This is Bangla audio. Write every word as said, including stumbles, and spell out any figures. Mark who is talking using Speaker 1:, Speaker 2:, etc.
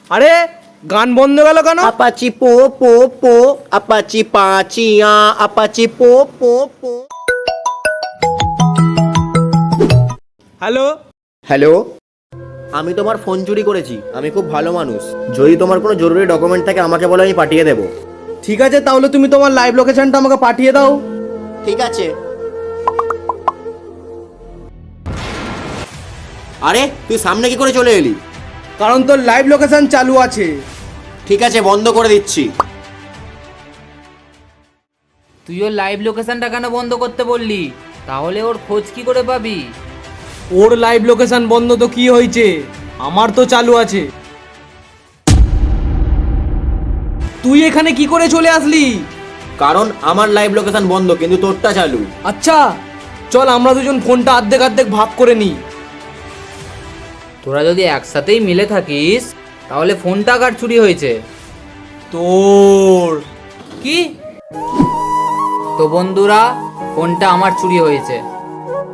Speaker 1: আরে গান বন্ধ গেল কেন?
Speaker 2: আপাচি পো পো পো আপাচি পাচিয়া আপাচি পো পো পো।
Speaker 1: হ্যালো
Speaker 2: হ্যালো, আমি তোমার ফোন চুরি করেছি। আমি খুব ভালো মানুষ। যদি তোমার কোনো জরুরি ডকুমেন্ট থাকে আমাকে বলো, আমি পাঠিয়ে দেবো।
Speaker 1: ঠিক আছে, তাহলে তুমি তোমার লাইভ লোকেশনটা আমাকে পাঠিয়ে দাও।
Speaker 2: ঠিক আছে। আরে তুই সামনে কি করে চলে এলি?
Speaker 1: কারণ তোর লাইভ লোকেশন চালু আছে।
Speaker 2: ঠিক আছে, বন্ধ করে দিচ্ছি।
Speaker 3: তুই ওর লাইভ লোকেশনটা কেন বন্ধ করতে বললি? তাহলে ওর খোঁজ কি করে পাবি?
Speaker 1: ওর লাইভ লোকেশন বন্ধ তো কি হয়েছে, আমার তো চালু আছে। তুই এখানে কি করে চলে আসলি?
Speaker 2: কারণ আমার লাইভ লোকেশন বন্ধ, কিন্তু তোরটা চালু।
Speaker 1: আচ্ছা চল আমরা দুজন ফোনটা অর্ধেক অর্ধেক ভাগ করে নিই।
Speaker 3: তোরা যদি একসাথেই মিলে থাকিস তাহলে ফোনটা কার চুরি হয়েছে?
Speaker 1: তোর।
Speaker 3: কি? তো বন্ধুরা, ফোনটা আমার চুরি হয়েছে।